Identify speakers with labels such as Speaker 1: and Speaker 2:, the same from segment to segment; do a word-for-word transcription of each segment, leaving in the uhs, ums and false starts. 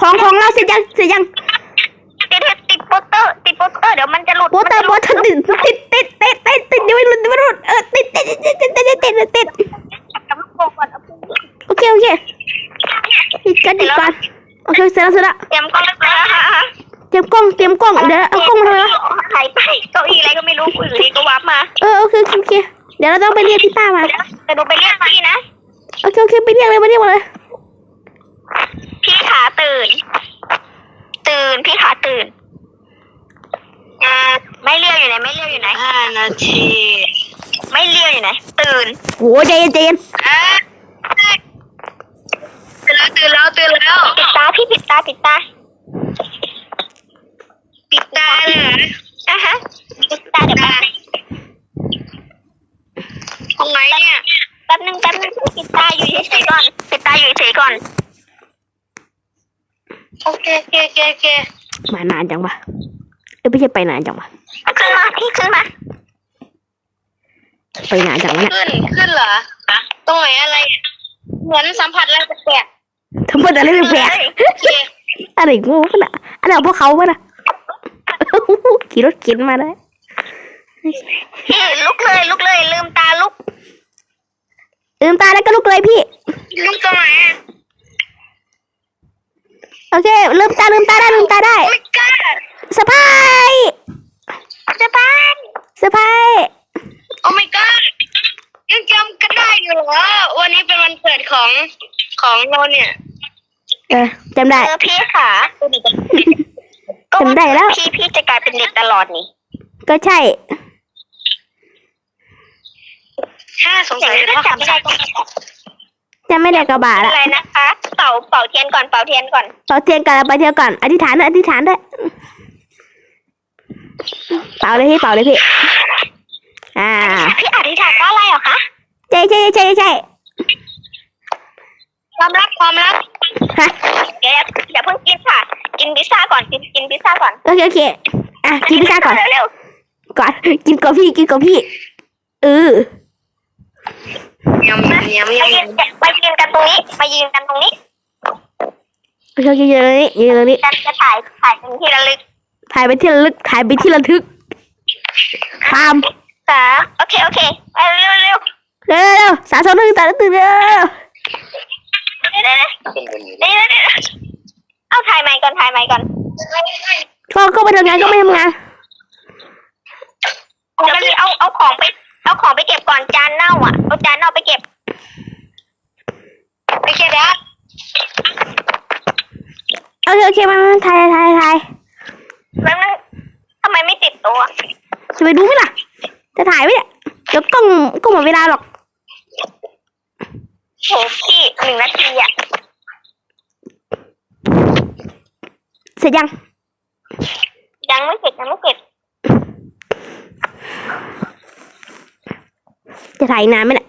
Speaker 1: ของของเราเสร็จยังเสร็จยัง
Speaker 2: ติดติดโปสเตอร์ติดโปสเตอร์เดี๋ยวมันจะหลุด
Speaker 1: โปสเตอร์โปสเตอร์ติดติดติดติดติดติดยังไม่หลุดยังไม่หลุดเออติดติดติดติดติดติดติดติดโอเคโอเคติดกันติดกันโอเคเสร็จแล้วเสร็จแล้ว
Speaker 2: เตรียมกล้องแล้ว
Speaker 1: เตรียมกล้องเตรียมกล้องเดี๋ยวเอากล้องมาทำไมวะ
Speaker 2: หายไปเก้าอี้อะไรก็ไม่รู้อยู่ดีก็วับมา
Speaker 1: เออโอเคโอเคเดี๋ยวเราต้องไปเรียกพี่ต้ามา
Speaker 2: แต่ดูไปเรียกพี่นะ
Speaker 1: โอเคโอเคไปเรียกเลยมาเรียกมาเลย
Speaker 2: พี่ขาตื่นตื่นพี่ขาตื่นอ่าไม่เรียกอยู่ไหนไม่เรียกอยู่ไหนห้านาทีไม่เรียกอยู่ไหนตื่น
Speaker 1: โอ้ใจเย็นใจเย็น
Speaker 2: อ่าตื่นแล้วตื่นแล้วตื่นแล้วปิดตาพี่ปิดตาปิดตาปิดตาเลยอ่ะฮะปิดตาเดี๋ยวแป๊บตรงไหนเนี่ยแป๊บนึงแป๊บนึงปิดตาอยู่เฉยๆก่อนปิดตาอยู่เฉยๆก่อนโอเคโอเคโอเคโอเค
Speaker 1: มานานจังวะเอ้ยไม่ใช่ไปนานจังวะ
Speaker 2: ขึ้นมาพี่ขึ้นมา
Speaker 1: ไปนานจังวะเนี่ย
Speaker 2: ขึ้นขึ้นเหรอตรงไหนอะไรเหมือนสัมผัสอะไรแปลก
Speaker 1: ทำไมอะไรแปลกๆอะไรงูปะน่ะอะไรของพวกเขาปะน่ะขี่รถเข็นมาได้
Speaker 2: พี่ลุกเลยลุกเลยลืมตาลุก
Speaker 1: ลืมตาแล้วก็ลุกเลยพี่
Speaker 2: ลุกตรงไหน
Speaker 1: โอเคลืมตาลืมตาได้ลืมตาได้
Speaker 2: ไม่กล้า
Speaker 1: สะพาย
Speaker 2: จะบ้าน
Speaker 1: สะพาย
Speaker 2: โอ้ my god ยังจำกันได้อยู่เหรอวันนี้เป็นวันเกิดของของเราเนี่ย
Speaker 1: เออจำได้
Speaker 2: เออพี่ขา
Speaker 1: จำได้แล้ว
Speaker 2: พี่พี่จะกลายเป็นเด็กตลอดนี่
Speaker 1: ก็ใช่
Speaker 2: ถ้าสงสัยเป็นเพราะคำสั่ง
Speaker 1: จะไม่ได้กระบาดละ
Speaker 2: อะไรนะคะเป่าเป่าเทียนก่อนเป่าเทียนก่อน
Speaker 1: เป่าเทียนก่อนไปเทียนก่อนอธิษฐานด้วยอธิษฐานด้วยเป่าเลยพี่เป่าเลยพี่อ่า
Speaker 2: พี่อธิษฐานว่าอะไรเหรอคะ
Speaker 1: ใช่ใช่ใช่ใช่
Speaker 2: ความรักความรัก
Speaker 1: ฮะ
Speaker 2: เดี๋ยวอย่าเพิ่งกินค่ะกินพิซซ่าก่อนกินกินพิซซ่าก่อน
Speaker 1: โอเคโอเคอ่ะกินพิซซ่าก่อน
Speaker 2: เร็ว
Speaker 1: ก่อนกินกับพี่กินกับพี่เออย
Speaker 2: ำยำยำยำมายืนกันตรงนี้มายืนกันตรงนี้
Speaker 1: โอเคโอเคยืนตรงนี้ยืนตรงนี้
Speaker 2: จะจะถ่ายถ่ายเป็นที่ระลึก
Speaker 1: ถ่ายไปที่ระลึกถ่ายไปที่ระทึกตาม
Speaker 2: สามโอเคโอเคเร็วเร็วเร็ว
Speaker 1: เร็วเร็วสามสองหนึ่งสามตื่นเร็ว
Speaker 2: เร็วเร็วเร็วเร็วเอาถ่ายใหม่ก่อนถ่ายใหม่ก่อน
Speaker 1: ก็ก็ไปทำงานก็ไม่ทำงาน
Speaker 2: เดี๋ยวพี่เอาเอาของไปเอาของไปเก็บก่อนจานเน่าอ่ะเอาจานเน่าไปเก็บไปเก็บแล้ว
Speaker 1: โอเคโอเคมาถ่ายถ่ายถ่าย
Speaker 2: แล้วนั่นทำไมไม่ติดตัว
Speaker 1: จะไปดูไหมล่ะจะถ่ายไหมเนี่ยเดี๋ยวกล้องกล้องหมดเวลาหรอก
Speaker 2: โหพี่หนึ่งนาทีอ่ะ
Speaker 1: เสร็จยัง
Speaker 2: ยังไม่เสร็จยังไม่เสร็จ
Speaker 1: จะถ่ายนานไหมเนี่ย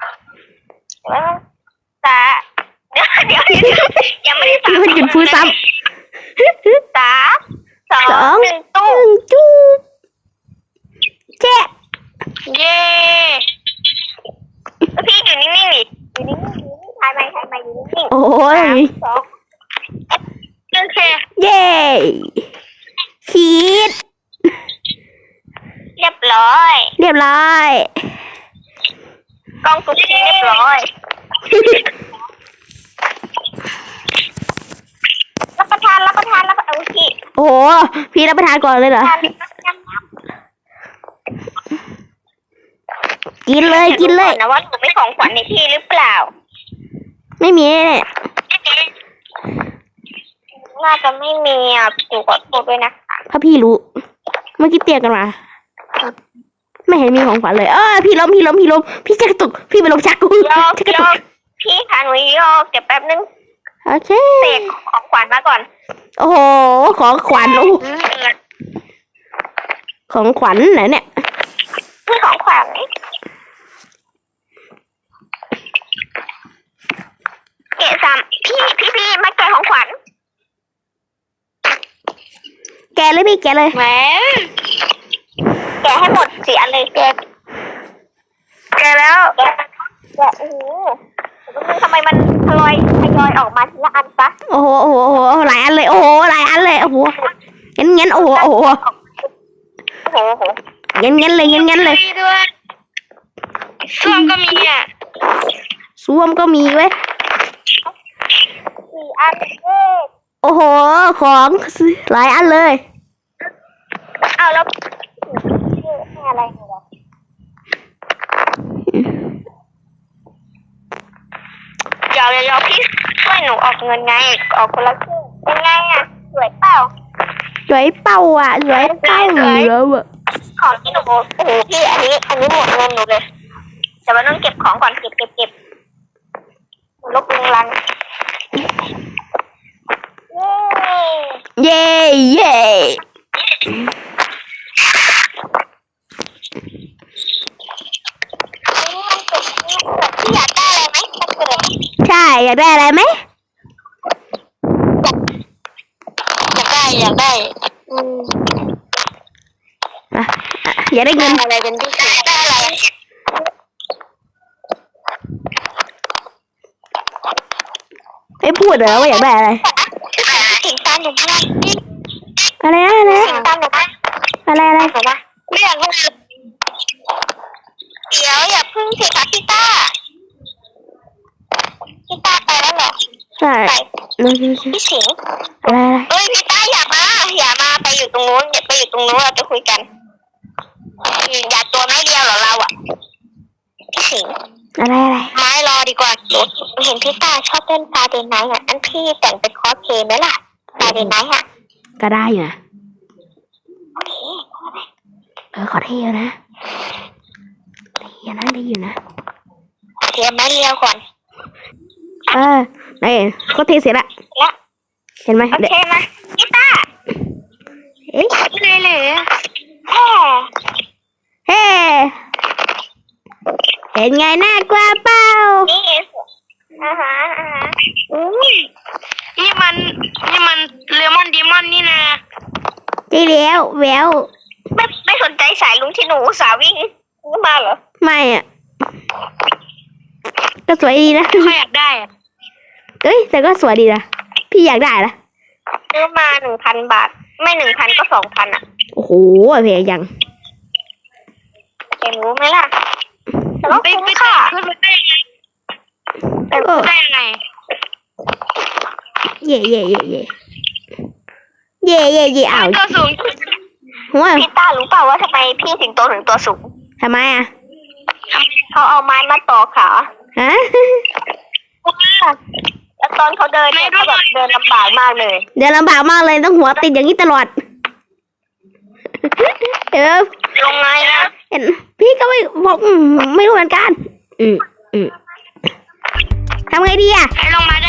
Speaker 2: สาเดี๋ยวเดี๋ยวยังไม่ได้สาม
Speaker 1: มันหยุดพูดซ้
Speaker 2: สามสอ
Speaker 1: ำสอง ง
Speaker 2: หนึ่งตู้
Speaker 1: หนึ่งจูเจ๊
Speaker 2: เย้พี่อยู่นิ่งๆดิอยู่นิ่งๆถ่ายไปถ่ายไปอยู่นิ่งๆ
Speaker 1: โอ้ย
Speaker 2: สองโอเค
Speaker 1: เย้ชีด
Speaker 2: เรียบร้อย
Speaker 1: เรียบร้อย
Speaker 2: กล้องสุดเรียบร้อยรับประทานรับประทานรับประทานพี่
Speaker 1: โอ้โหพี่รับประทานก่อนเลยเหรอ
Speaker 2: ทาน
Speaker 1: กินเลยกินเลย
Speaker 2: นะว่าหนูไม่ของขวัญในพี่หรือเปล่า
Speaker 1: ไม่มีแน่
Speaker 2: น่าจะไม่มีอ่ะหนูขอโทษด้วยนะคะ
Speaker 1: ถ้าพี่รู้ เมื่อกี้เตียกันมา ไม่เห็นมีของขวัญเลย เออพี่ล้มพี่ล้มพี่ล้มพี่จะกระตุกพี่ไปลงชักกู
Speaker 2: ยอก
Speaker 1: ชักกระ
Speaker 2: ย
Speaker 1: ตุ
Speaker 2: อก กพี่ค่ะหนูยอกเดี๋ยวแป๊บนึง
Speaker 1: โอเค
Speaker 2: เสกของขวัญมาก่อน
Speaker 1: โอ้โหของขวัญโอ้ของขวัญไหนเนี่ย
Speaker 2: นี่ของขวัญเกะสามพี่พี่พี่มาแกะของขวัญ
Speaker 1: แกะเลยพี่แกะเลย
Speaker 2: แหมแกะให้หมดสี่อันเลยแกะแกะแล้วแกะแกะโอ้โหมันทำไมมันทยอยทยอยออกมาทีละอันซะ
Speaker 1: โอ้โหโอ้โหโอ้โหหลายอันเลยโอ้โหหลายอันเลยโอ้โหงั้นงั้นโอ้โหโอ้โห
Speaker 2: โอ้โห
Speaker 1: งั้นงั้นเลยงั้นงั้นเลย
Speaker 2: ด้วยส้วมก็มีอ่ะ
Speaker 1: ซ่วมก็มีเว้ย
Speaker 2: สี่อันเว้ย
Speaker 1: โอ้โหของหลายอันเลย
Speaker 2: เอาแล้วให้อะไรเหรอเดี๋ยวเดี๋ยวพี่ช่วยหนูออกเงินไงออกคนละครึ่งเป็นไงอ่ะสวยเปล่า
Speaker 1: สวยเป้าอ่ะสวยเป้าแล้วอ่ะ
Speaker 2: ของที่หนูโอ้โหพี่อันนี้ อันนี้หมดเงินหนูเลยแต่ว่าต้องเก็บของก่อนเก็บเก็บเก็บลบลุงลังเย้
Speaker 1: เย่เย่
Speaker 2: พี่อยากได้อะไรไหมถ้าเกิด
Speaker 1: ใช่อยากได้อะไรไหม
Speaker 2: อยากได้อยากได้อืม
Speaker 1: อ่ะอ่ะอยากได้เงิน
Speaker 2: อะไรเป็นพิเศษได้อะไร
Speaker 1: ไม่พูดเหรอว่าอยากได้อะไร
Speaker 2: ถึงตามหนูไม่ได้
Speaker 1: อะไรนะอะไร
Speaker 2: ถึง
Speaker 1: นะ
Speaker 2: ตามหนูไม่
Speaker 1: อะไรอะไร
Speaker 2: ได้ไหมไม่อยากได้เดี๋ยวอย่าพึ่งสิคะพี่ต้าพี่ต้าไปแล้วเหรอ
Speaker 1: ใช่
Speaker 2: ไป
Speaker 1: นั่นคือ
Speaker 2: พี่สิงห์
Speaker 1: อะไรอะไร
Speaker 2: เอ้ยพี่ต้าอย่ามาอย่ามาไปอยู่ตรงนู้นอย่าไปอยู่ตรงนู้นเราจะคุยกันอย่าตัวไม่เดียวเหรอเราอ่ะพี่สิงห์
Speaker 1: อะไรอะไร
Speaker 2: ไม้รอดีกว่าเห็นพี่ต้าชอบเล่นฟาเดนไนท์อ่ะอันพี่แต่งเป็นคอสเพลย์ไหมล่ะฟาเดนไนท์อ่ะ
Speaker 1: ก็ได้อยู่นะ
Speaker 2: โอเค
Speaker 1: เออขอเที่ยวนะเที่ยวนะได้อยู่นะ
Speaker 2: เตรียมไม้เรียวก่อน
Speaker 1: เออไหนก็เทเสร็จละ
Speaker 2: แล้ว
Speaker 1: เห็นไหม
Speaker 2: โอ
Speaker 1: เดี๋ยว
Speaker 2: เคไหมพี่ต้า
Speaker 1: เอ๊ะ
Speaker 2: เลยเลยแฮ่
Speaker 1: เฮ้เห็นไงน่ากลัวเปล่า
Speaker 2: นี่อ่าฮะอ่าฮะอุ้ยนี่มันนี่มันเลมอนดีมอนนี่นะ
Speaker 1: ใช่แล้วแวว
Speaker 2: ไม่ไม่สนใจสายลุงที่หนูอุตสาห์วิ่งมาเหรอ
Speaker 1: ไม่อ่ะก็สวยดีนะ
Speaker 2: เขาอยากได้อะ
Speaker 1: เอ้ยแต่ก็สวยดีนะพี่อยากได้ละ
Speaker 2: ซื้อมาหนึ่งพันบาท ไม่หนึ่งพันก็สองพันอ่ะ
Speaker 1: โอ้โหแพงยัง
Speaker 2: เห็นรู้ไหมล่ะแต่ว่าคุ้มค่ะขึ้นมาได้ยังไงแต่ขึ้นได้ยังไง
Speaker 1: เย่เย่เย่เย่เย่เย่เย่อ้าว
Speaker 2: ตัวสูง
Speaker 1: หัว
Speaker 2: พี่ต้ารู้เปล่าว่าทำไมพี่สิงโตถึงตัวสูง
Speaker 1: ทำไมอ่ะ
Speaker 2: เขาเอาไม้มาต่อขา
Speaker 1: ฮะ
Speaker 2: แล้วตอนเขาเดินเนี่ยเขาแบบเดินลำบากมากเลย
Speaker 1: เดี๋ยวลำบากมากเลยต้องหัวติดอย่างนี้ตลอดเออ
Speaker 2: ลงไงนะ
Speaker 1: เห็นพี่ก็ไม่บอกอืมไม่รู้เหมือนกันอืมอืมทำไงดีอ่ะ
Speaker 2: ให้ลงมาได้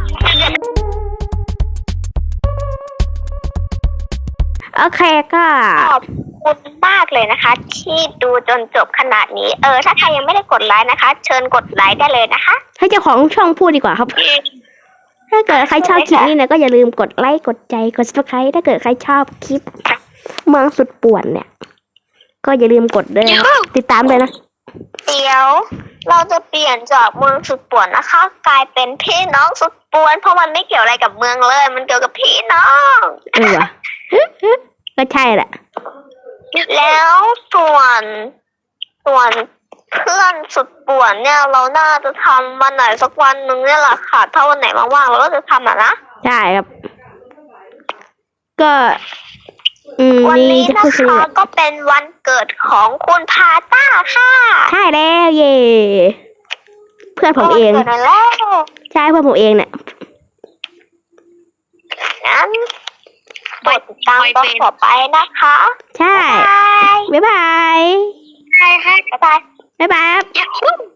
Speaker 1: โอเคก็
Speaker 2: ขอบคุณมากเลยนะคะ ที่ดูจนจบขนาดนี้ เออ ถ้าใครยังไม่ได้กดไลค์นะคะ เชิญกดไลค์ได้เลยนะคะ
Speaker 1: ให้เจ้าของช่องพูดดีกว่าครับ ถ้าเกิดใครชอบคลิปนี้เนี่ยก็อย่าลืมกดไลค์กดใจกด ซับสไครบ์ ถ้าเกิดใครชอบคลิปเมืองสุดป่วนเนี่ย ก็อย่าลืมกดด้วยนะติดตามเลยนะ
Speaker 2: เดี๋ยวเราจะเปลี่ยนจากเมืองสุดป่วนนะคะ กลายเป็นพี่น้องสุดป่วน เพราะมันไม่เกี่ยวอะไรกับเมืองเลย มันเกี่ยวกับพี่น้อง
Speaker 1: เออว่ะก็ใช่แหละ
Speaker 2: แล้วส่วนส่วนเพื่อนสุดป่วนเนี่ย เราน่าจะทำวันไหนสักวันหนึ่งเนี่ยแหละค่ะ ถ้าวันไหนว่างๆเราก็จะทำอ่ะนะ
Speaker 1: ใช่ครับ ก็ อืม
Speaker 2: วัน
Speaker 1: นี่
Speaker 2: นี้
Speaker 1: จะ
Speaker 2: นะ
Speaker 1: พูดชื่อ
Speaker 2: คะก็เป็นวันเกิดของคุณพาต้าค่ะ
Speaker 1: ใช่แล้วเย่เพื่อนผมเอง
Speaker 2: วันเกิดแล้ว
Speaker 1: ใช่เพื่อนผมเองเนี่ย
Speaker 2: งั้นกดติดตามตอนต่อไปนะคะ
Speaker 1: ใช่
Speaker 2: บาย
Speaker 1: บ๊ายบาย
Speaker 2: บายบ๊ายบาย
Speaker 1: บ๊ายบาย
Speaker 2: Yahoo